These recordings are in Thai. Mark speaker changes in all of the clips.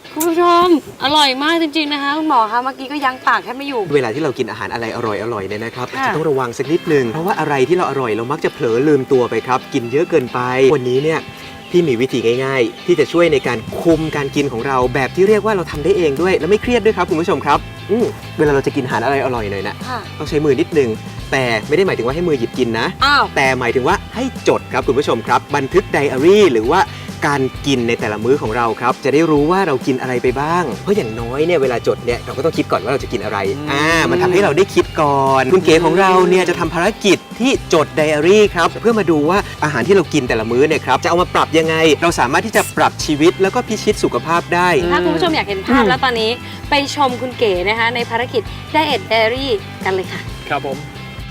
Speaker 1: คุณผู้ชมอร่อยมากจริงๆนะคะคุณหมอคะเมื่อกี้ก็ยั้งปากแทบไม่อยู่
Speaker 2: เวลาที่เรากินอาหารอะไรอร่อยๆเนี่ยนะครับอาจจะต้องระวังสักนิดนึงเพราะว่าอะไรที่เราอร่อยเรามักจะเผลอลืมตัวไปครับกินเยอะเกินไปวันนี้เนี่ยพี่มีวิธีง่ายๆที่จะช่วยในการคุมการกินของเราแบบที่เรียกว่าเราทำได้เองด้วยและไม่เครียดด้วยครับคุณผู้ชมครับเวลาเราจะกินอาหารอะไรอร่อยหน่อยนะต้องใช้มือนิดนึงแต่ไม่ได้หมายถึงว่าให้มือหยิบกินนะแต่หมายถึงว่าให้จดครับคุณผู้ชมครับบันทึกไดอารี่หรือว่าการกินในแต่ละมื้อของเราครับจะได้รู้ว่าเรากินอะไรไปบ้างเพราะอย่างน้อยเนี่ยเวลาจดเนี่ยเราก็ต้องคิดก่อนว่าเราจะกินอะไรมันทำให้เราได้คิดก่อนคุณเก๋ของเราเนี่ยจะทำภารกิจที่จดไดอารี่ครับเพื่อมาดูว่าอาหารที่เรากินแต่ละมื้อเนี่ยครับจะเอามาปรับยังไงเราสามารถที่จะปรับชีวิตแล้วก็พิชิตสุขภาพได้
Speaker 1: ถ้าคุณผู้ชมอยากเห็นภาพแล้วตอนนี้ไปชมคุณเก๋นะคะในภารกิจ Diet Diary กันเลยค่ะ
Speaker 3: ครับผม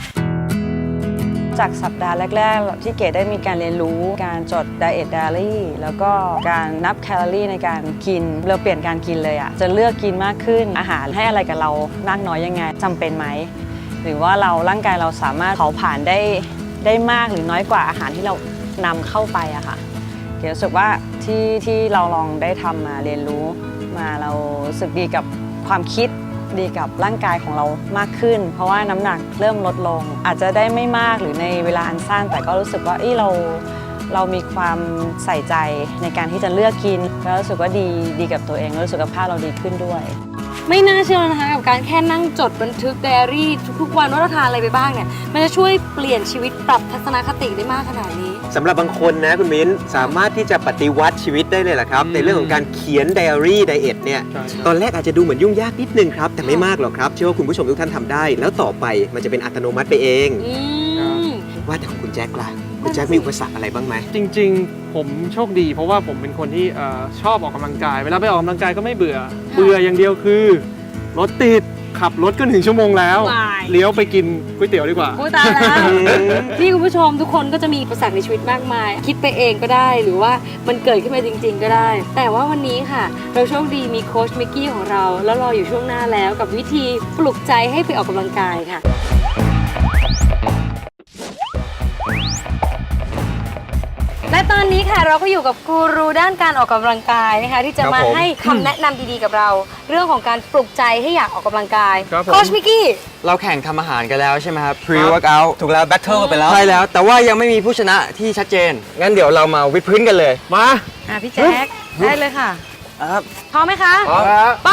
Speaker 4: จากสัปดาห์แรกๆที่เก๋ได้มีการเรียนรู้การจด Diet Diary แล้วก็การนับแคลอรี่ในการกินเราเปลี่ยนการกินเลยอะจะเลือกกินมากขึ้นอาหารให้อะไรกับเรามากน้อยยังไงจำเป็นไหมหรือว่าร่างกายเราสามารถเผาผลาญได้มากหรือน้อยกว่าอาหารที่เรานำเข้าไปอะค่ะเก๋รู้สึกว่าที่เราลองได้ทำมาเรียนรู้มาเรารู้สึกดีกับความคิดดีกับร่างกายของเรามากขึ้นเพราะว่าน้ำหนักเริ่มลดลงอาจจะได้ไม่มากหรือในเวลาอันสั้นแต่ก็รู้สึกว่าเรามีความใส่ใจในการที่จะเลือกกินแล้วรู้สึกว่าดีกับตัวเองแล้วสุขภาพเราดีขึ้นด้วย
Speaker 1: ไม่น่าเชื่อนะคะกับการแค่นั่งจดบันทึกไดอารี่ทุกๆวันว่าเราทานอะไรไปบ้างเนี่ยมันจะช่วยเปลี่ยนชีวิตปรับทัศนคติได้มากขนาดนี้
Speaker 2: สำหรับบางคนนะคุณมิ้นสามารถที่จะปฏิวัติชีวิตได้เลยล่ะครับในเรื่องของการเขียนไดอารี่ไดเอทเนี่ยตอนแรกอาจจะดูเหมือนยุ่งยากนิดนึงครับแต่ไม่มากหรอกครับเชื่อว่าคุณผู้ชมทุกท่านทำได้แล้วต่อไปมันจะเป็นอัตโนมัติไปเองว่าแต่ของคุณแจ็คล่ะคุณแจ็คมีอุปสรรคอะไรบ้างไหม
Speaker 3: จริงๆผมโชคดีเพราะว่าผมเป็นคนที่ชอบออกกำลังกายเวลาไปออกกำลังกายก็ไม่เบื่ออย่างเดียวคือรถติดขับรถก็1 ชั่วโมงแล้วเลี้ยวไปกินก๋วยเตี๋ยวดีกว่า
Speaker 1: ตายแล้วนี่คุณผู้ชมทุกคนก็จะมีอุปสรรคในชีวิตมากมายคิดไปเองก็ได้หรือว่ามันเกิดขึ้นมาจริงๆก็ได้แต่ว่าวันนี้ค่ะเราโชคดีมีโค้ชมิกกี้ของเราแล้วรออยู่ช่วงหน้าแล้วกับวิธีปลุกใจให้ไปออกกำลังกายค่ะและตอนนี้ค่ะเราก็อยู่กับกูรูด้านการออกกำลังกายนะคะที่จะมาให้คำแนะนำดีๆกับเราเรื่องของการปลุกใจให้อยากออกกำลังกายโค้ชมิกกี้
Speaker 5: เราแข่งทำอาหารกันแล้วใช่ไหมครับ Pre-workout
Speaker 2: ถูกแล้วแบทเทิลกันไปแล้ว
Speaker 5: ใช่แล้วแต่ว่ายังไม่มีผู้ชนะที่ชัดเจนงั้นเดี๋ยวเรามาวิดพื้นกันเลย
Speaker 3: มา
Speaker 1: พี่แจ๊คได้เลยค่ะ
Speaker 5: ครับ
Speaker 1: พร้อมไหมคะ
Speaker 5: พร้อมครับ
Speaker 1: ไป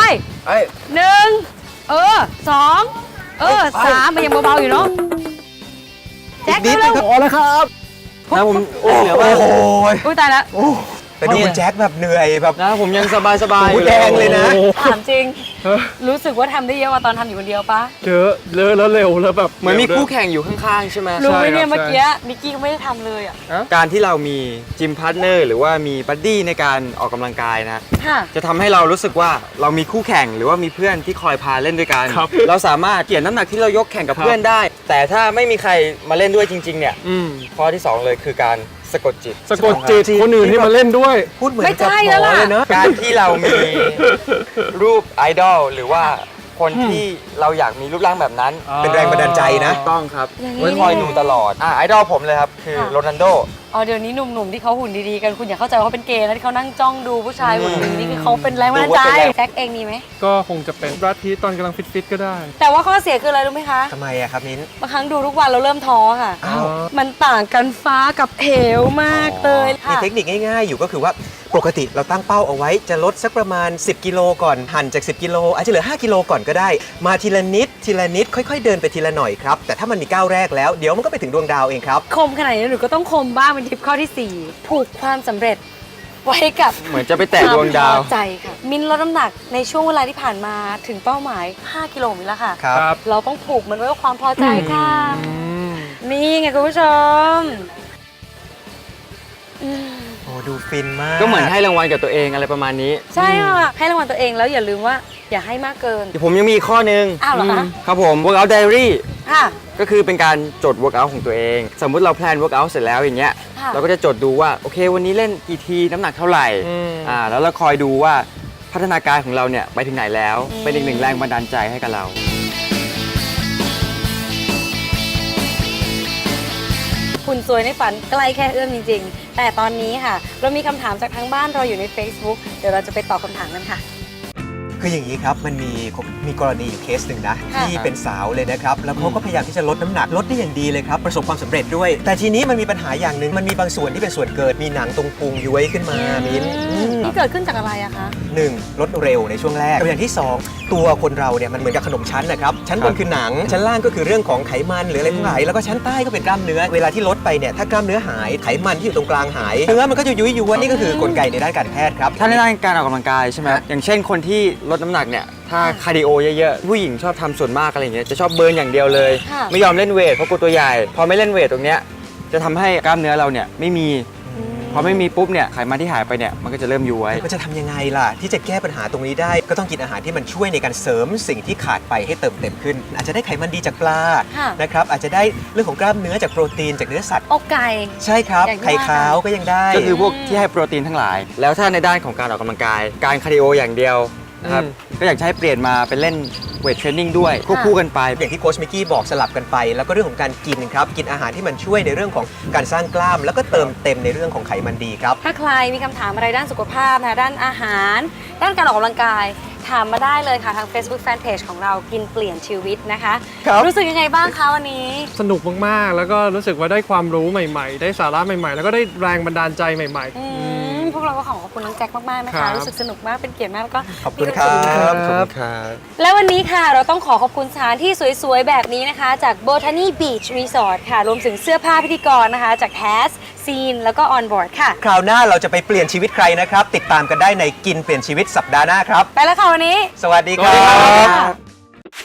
Speaker 1: 1 2 3มันยังเบาๆอยู่เนาะแจ็คเร็ว
Speaker 3: พอแล้วครับ
Speaker 5: นะผมเหลือว่าโ
Speaker 1: อ้ยตายแล้ว
Speaker 2: แต่ดูคุณแจ็คแบบเหนื่อยแบบ
Speaker 5: นะผมยังสบาย
Speaker 2: หูแดงเลยนะ
Speaker 1: ถามจริงรู้สึกว่าทำได้เยอะกว่าตอนทำอยู่คนเดียวปะ
Speaker 3: เยอะแล้วเร็วแล้วแบบ
Speaker 5: เหมือนมีคู่แข่งอยู่ข้างๆใช่ไหม
Speaker 1: รู้ไหมเนี่ยเมื่อกี้มิกกี้ก็ไม่ได้ทำเลยอ่ะ
Speaker 5: การที่เรามีจิมพาร์ทเนอร์หรือว่ามีบัดดี้ในการออกกำลังกายนะจะทำให้เรารู้สึกว่าเรามีคู่แข่งหรือว่ามีเพื่อนที่คอยพาเล่นด้วยกันเราสามารถเกี่ยนน้ำหนักที่เรายกแข่งกับเพื่อนได้แต่ถ้าไม่มีใครมาเล่นด้วยจริงๆเนี่ยข้อที่2เลยคือการสะกดจิต
Speaker 3: คนอื่นที่มาเล่นด้วย
Speaker 2: พูดเหมือนกับหมอเลยเนอะ
Speaker 5: การที่เรามีรูปไอดอลหรือว่าคนที่เราอยากมีรูปร่างแบบนั้น
Speaker 2: เป็นแรงบันดาลใจนะ
Speaker 5: ต้องครับไว้คอยดูตลอดไอดอลผมเลยครับคือโรนัลโด
Speaker 1: เดี๋ยวนี้หนุ่มๆที่เขาหุ่นดีๆกันคุณอย่าเข้าใจว่าเขาเป็นเกย์นะที่เขานั่งจ้องดูผู้ชายหุ่นดีนี่คือเขาเป็นแรงบันดาลใจแจ็คเองมีไหม
Speaker 3: ก็คงจะเป็นแบรดพีตตอนกำลังฟิตก็ได้
Speaker 1: แต่ว่าข้อเสียคืออะไรรู้ไหมคะ
Speaker 2: ทำไมอะครับมิ้น
Speaker 1: บางครั้งดูทุกวันเราเริ่มท้อค่ะมันต่างกันฟ้ากับเหวมากเลย
Speaker 2: มีเทคนิคง่ายๆอยู่ก็คือว่าปกติเราตั้งเป้าเอาไว้จะลดสักประมาณ10 กิโลก่อนหั่นจาก10 กิโลอาจจะเหลือ5 กิโลก่อนก็ได้มาทีละนิดค่อยๆเดินไปทีละหน่อยครับแต่ถ้ามันมีก้าวแรกแล้วเดี๋ยวมันก็ไปถึงดวงดาวเองครับ
Speaker 1: คมขนาดนี้หนูก็ต้องคมบ้างเป็นทิปข้อที่4ผูกความสำเร็จไว้กับ
Speaker 5: เหมือนจะไปแตะดวงดาว
Speaker 1: ใจค่ะมินลดน้ำหนักในช่วงเวลาที่ผ่านมาถึงเป้าหมาย5 กิโลมิลแล้วค่ะ
Speaker 2: ครับ
Speaker 1: เราต้องผูกมันไว้กับความพอใจค่ะนี่ไงคุณผู้ชม
Speaker 2: โอ้ดูฟินมาก
Speaker 5: ก็เหมือนให้รางวัลกับตัวเองอะไรประมาณนี้
Speaker 1: ใช่ค่ะให้รางวัลตัวเองแล้วอย่าลืมว่าอย่าให้มากเกิน
Speaker 5: ผมยังมีข้อนึง
Speaker 1: เหรอคะ
Speaker 5: ครับผม workout diary
Speaker 1: ค่ะ
Speaker 5: ก็คือเป็นการจด workout ของตัวเอง สมมุติเราแพลน workout เสร็จแล้วอย่างเงี้ยเราก็จะจดดูว่าโอเควันนี้เล่นกี่ทีน้ำหนักเท่าไหร่แล้วเราคอยดูว่าพัฒนาการของเราเนี่ยไปถึงไหนแล้วเป็นอีกหนึ่งแรงบันดาลใจให้กับเรา
Speaker 1: หุ่นสวยในฝันใกล้แค่เอื้อมจริงๆ แต่ตอนนี้ค่ะ เรามีคำถามจากทางบ้านรออยู่ใน Facebook เดี๋ยวเราจะไปตอบคำถามกันค่ะ
Speaker 2: คืออย่างนี้ครับมันมีกรณีอยู่เคสหนึ่งนะ
Speaker 1: ค่ะ
Speaker 2: ที่เป็นสาวเลยนะครับแล้วเขาก็พยายามที่จะลดน้ำหนักลดได้อย่างดีเลยครับประสบความสำเร็จด้วย แต่ทีนี้มันมีปัญหาอย่างหนึ่งมันมีบางส่วนที่เป็นส่วนเกิดมีหนังตรงพุงย้วยขึ้นมามิ้น
Speaker 1: นี่เกิดขึ้นจากอะไรอะคะ
Speaker 2: หนึ่งลดเร็วในช่วงแรกตัวอย่างที่สองตัวคนเราเนี่ยมันเหมือนกับขนมชั้นนะครับชั้นบนคือหนังชั้นล่างก็คือเรื่องของไขมันหรืออะไรทั้งหลายแล้วก็ชั้นใต้ก็เป็นกล้ามเนื้อเวลาที่ลดไปเนี่ยถ้ากล้ามเนื้อหไขมันที่อยู่ตรงกลางหายเนื้อมันก็จะยุยย้วนนี่ก็คือกลไกในด้านการแพทย์ครับ
Speaker 5: ถ้าในด้านการออกกำลังกายใช่ไหมอย่างเช่นคนที่ลดน้ำหนักเนี่ยถ้าคาร์ดิโอเยอะๆผู้หญิงชอบทำส่วนมากอะไรอย่างเงี้ยจะชอบเบิร์นอย่างเดียวเลย
Speaker 1: ค่ะ
Speaker 5: ไม่ยอมเล่นเวทเพราะกลัวตัวใหญ่พอไม่เล่นเวทตรงเนี้ยจะทำให้กล้ามเนื้อเราเนี่ยไม่มีพอไม่มีปุ๊บเนี่ยไขมันที่หายไปเนี่ยมันก็จะเริ่มย้วย
Speaker 2: มันจะทำยังไงล่ะที่จะแก้ปัญหาตรงนี้ได้ก็ต้องกินอาหารที่มันช่วยในการเสริมสิ่งที่ขาดไปให้เติมเต็มขึ้น อาจจะได้ไขมันดีจากปลา
Speaker 1: ค่ะ
Speaker 2: นะครับอาจจะได้เรื่องของกล้ามเนื้อจากโปรตีนจากเนื้อสัตว์
Speaker 1: อกไก่
Speaker 2: ใช่ครับ
Speaker 1: อย่างที่
Speaker 2: ไข่ขาวก็ยังได้
Speaker 5: ก็คือพวกที่ให้โปรตีนทั้งหลาย แล้วถ้าในด้านของการออกกำลังกาย การคาร์ดิโออย่างเดียวนะครับก็อยากจะให้เปลี่ยนมาเป็นเล่นเวทเทรนนิ่งด้วยควบคู่กันไป
Speaker 2: อย่างที่โค้ชมิกกี้บอกสลับกันไป แล้วก็เรื่องของการกินครับกินอาหารที่มันช่วยในเรื่องของการสร้างกล้าม แล้วก็เติมเต็มในเรื่องของไขมันดีครับ
Speaker 1: ถ้าใครมีคำถามอะไรด้านสุขภาพนะด้านอาหาร ด้านการออกกำลังกาย ถามมาได้เลยค่ะทาง Facebook Fanpage ของเรากินเปลี่ยนชีวิตนะคะ
Speaker 2: ครับ
Speaker 1: รู้สึกยังไงบ้างคะวันนี้
Speaker 3: สนุกมากๆ แล้วก็รู้สึกว่าได้ความรู้ใหม่ๆ ได้สาระใหม่ๆ แล้วก็ได้แรงบันดาลใจใหม่
Speaker 1: พวกเราก็ขอบคุณน้องแจ็คมาก ๆ นะ
Speaker 3: ครั
Speaker 1: คะ
Speaker 3: บ
Speaker 1: รู้สึกสนุกมากเป็นเกียรติมากแล้วก็
Speaker 2: ขอบคุณ
Speaker 1: มี
Speaker 2: ครั
Speaker 1: วามสุข
Speaker 2: บ
Speaker 5: ครับครับ
Speaker 1: และวันนี้ค่ะเราต้องขอบคุณสถานที่สวย ๆ แบบนี้นะคะ จาก Botany Beach Resort ค่ะ รวมถึงเสื้อผ้าพิธีกรนะคะ จาก Taz Scene แล้วก็ Onboard ค่ะ
Speaker 2: คราวหน้าเราจะไปเปลี่ยนชีวิตใครนะครับ ติดตามกันได้ในกินเปลี่ยนชีวิตสัปดาห์หน้าครับ
Speaker 1: ไปแล้วค่ะวันนี้
Speaker 2: สวัสดีครั
Speaker 3: สวัสดีครับ บ